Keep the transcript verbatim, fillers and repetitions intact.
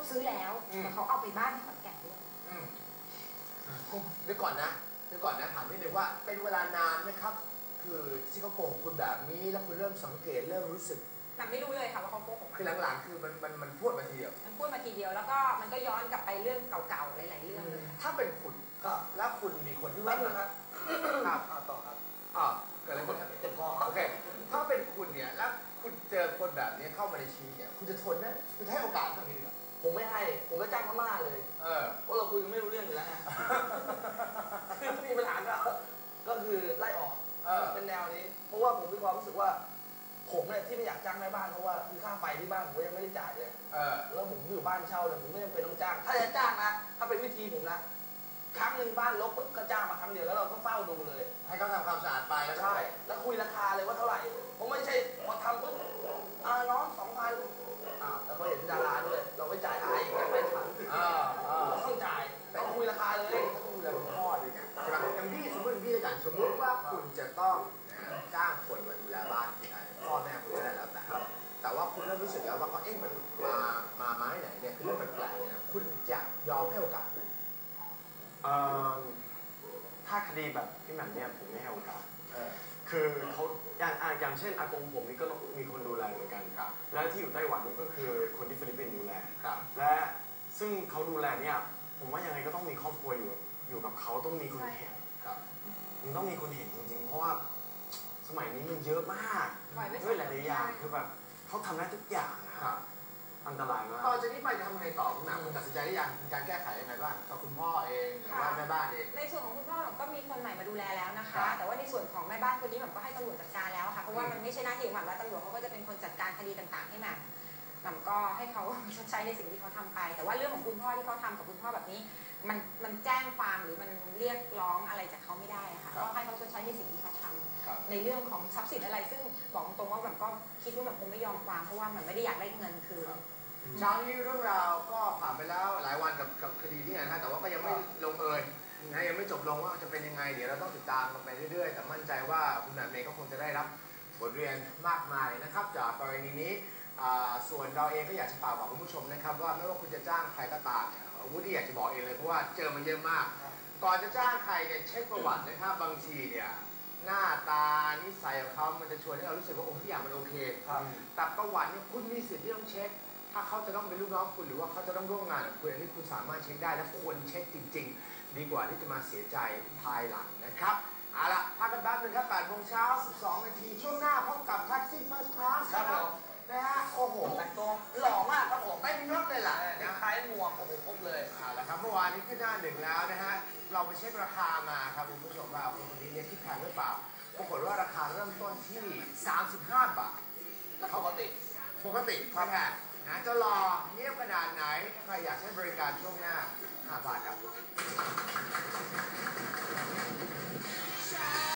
ซื้อแล้วแต่เขาเอาไปบ้านที่ขอนแก่นด้วยเดี๋ยวก่อนนะเดี๋ยวก่อนนะถามนิดนึงว่าเป็นเวลานานไหมครับคือที่เขาโกหกคุณแบบนี้แล้วคุณเริ่มสังเกตเริ่มรู้สึกมันไม่รู้เลยค่ะว่าเขาโกหกคือหลังๆคือมันมันมันพูดมาทีเดียวมันพูดมาทีเดียวแล้วก็มันก็ย้อนกลับไปเรื่องเก่าๆหลายๆเรื่องเลยถ้าเป็นคุณก็แล้วคุณมีคนที่ว่าครับครับต่อครับอ่าเกิดอะไรขึ้นเจ็บคอโอเคถ้าเป็นคุณเนี่ยแล้วคุณเจอคนแบบนี้เข้ามาในชีวิตเนี่ยคุณจะทนนะคุณให้โอกาสเท่านี้ดีกว่าผมไม่ให้ผมก็จ้างพม่าเลยเออเพราะเราคุยกันไม่รู้เรื่องอยู่แล้วคือมีปัญหาก็ก็คือไล่ออกเป็นแนวนี้เพราะว่าผมมีความรู้สึกว่าผมเนี่ยที่ไม่อยากจ้างแม่บ้านเพราะว่าคือค่าไฟที่บ้านผมยังไม่ได้จ่ายเลยแล้วผมอยู่บ้านเช่าเนี่ยผมไม่จำเป็นต้องจ้างถ้าจะจ้างนะถ้าเป็นวิธีผมนะครั้งหนึ่งบ้านรกปุ๊บก็จ้างมาครั้งเดียวแล้วเราก็เฝ้าดูเลยให้เขาทำความสะอาดไปใช่แล้วคุยราคาเลยว่าเท่าไหร่ผมไม่ใช่พอทำปุ๊บอ่าน้องสองพันอ่าแล้วพอเห็นดาราด้วยเราไม่จ่ายหายอีกไม่ทันอ่าอ่าต้องจ่ายแต่คุยราคาเลยต้องคุยกับพ่อด้วยกันใช่ไหมอย่างพี่สมมติพี่ด้วยกันสมมติว่าคุณจะต้องจ้างคนมาดูแลบ้านที่ไหนพ่อแม่คุณก็ได้แล้วแต่แต่ว่าคุณเริ่มรู้สึกแล้วว่าเขาเอ๊ะมันมามาไม้ไหนเนี่ยคือเรื่องแปลกๆเนี่ยคุณจะยอมให้โอกาสไหมถ้าคดีแบบพี่แหม่มเนี่ยผมไม่ให้โอกาสคือเขาอย่างอย่างเช่นอากงผมนี่ก็มีคนดูแลเหมือนกันครับและที่อยู่ไต้หวันนี่ก็คือคนที่ฟิลิปปินส์ดูแลครับและซึ่งเขาดูแลเนี่ยผมว่ายังไงก็ต้องมีครอบครัวอยู่อยู่กับเขาต้องมีคนเห็นครับมันต้องมีคนเห็นจริงๆเพราะว่าสมัยนี้มันเยอะมากด้วยหลายๆอย่างคือแบบเขาทำได้ทุกอย่างนะครับอันตรายมากตอนจากนี้ไปจะทำไงต่อคุณหนาคุณตัดสินใจได้ยังมีการแก้ไขยังไงบ้างกับคุณพ่อเองหรือว่าแม่บ้านเองในส่วนของคุณพ่อก็มีคนใหม่มาดูแลแล้วนะคะแต่ว่าในส่วนของแม่บ้านคนนี้ผมก็ให้ตำรวจจัดการแล้วค่ะเพราะว่ามันไม่ใช่หน้าที่ของหม่ำแล้วตำรวจเขาก็จะเป็นคนจัดการคดีต่างๆให้หม่ำหม่ำก็ให้เขาชดใช้ในสิ่งที่เขาทำไปแต่ว่าเรื่องของคุณพ่อที่เขาทำกับคุณพ่อแบบนี้มันมันแจ้งความหรือมันเรียกร้องอะไรจากเขาไม่ได้ค่ะก็ให้เขาชดใช้ในสิ่งที่เขาทำในเรื่องของทรัพย์สินอะไรซึ่งบอกตรงว่าแบบก็คิดว่าแบบคงไม่ยอมความเพราะว่ามันไม่ได้อยากได้เงินคือเช้านี้เรื่องราวก็ผ่านไปแล้วหลายวันกับกับคดีนี้นะฮะแต่ว่าก็ยังไม่ลงเอยนะยังไม่จบลงว่าจะเป็นยังไงเดี๋ยวเราต้องติดตามกันไปเรื่อยๆแต่มั่นใจว่าคุณแหม่มเองก็คงจะได้รับบทเรียนมากมายนะครับจากกรณีนี้ส่วนเราเองก็อยากจะฝากบอกคุณผู้ชมนะครับว่าไม่ว่าคุณจะจ้างใครก็ตามเนี่ยวุฒิอยากจะบอกเองเลยเพราะว่าเจอมาเยอะมากก่อนจะจ้างใครเนี่ยเช็คประวัตินะครับบางทีเนี่ยหน้าตานิสัยของเขามันจะชวนให้เรารู้สึกว่าโอ้ทุกอย่างมันโอเคแต่ประวัติเนี่ยคุณมีสิทธิ์ที่ต้องเช็คถ้าเขาจะต้องเป็นลูกน้องคุณหรือว่าเขาจะต้องร่วมงานกับคุณอันนี้คุณสามารถเช็คได้และควรเช็คจริงๆดีกว่าที่จะมาเสียใจภายหลังนะครับเอาละพักกันแป๊บนึงครับแปดโมงเช้าสิบสองนาทีช่วงหน้าพบกับแท็กซี่เฟิร์สคลาสครับนะฮะโอ้โหแต่งตัวหล่อมากครับผมไม่มีรถเลยล่ะนะคล้ายหมวกโอ้โหครบเลยเอาละครับเมื่อวานนี้ขึ้นหน้าหนึ่งแล้วนะฮะเราไปเช็คราคามาครับคุณผู้ชมว่าคนคนนี้เนี่ยคิดแพงหรือเปล่าปรากฏว่าราคาเริ่มต้นที่สามสิบห้าบาทปกติปกติครับนะจะรอเงียบขนาดไหนใครอยากใช้บริการช่วงหน้าห้าบาทครับ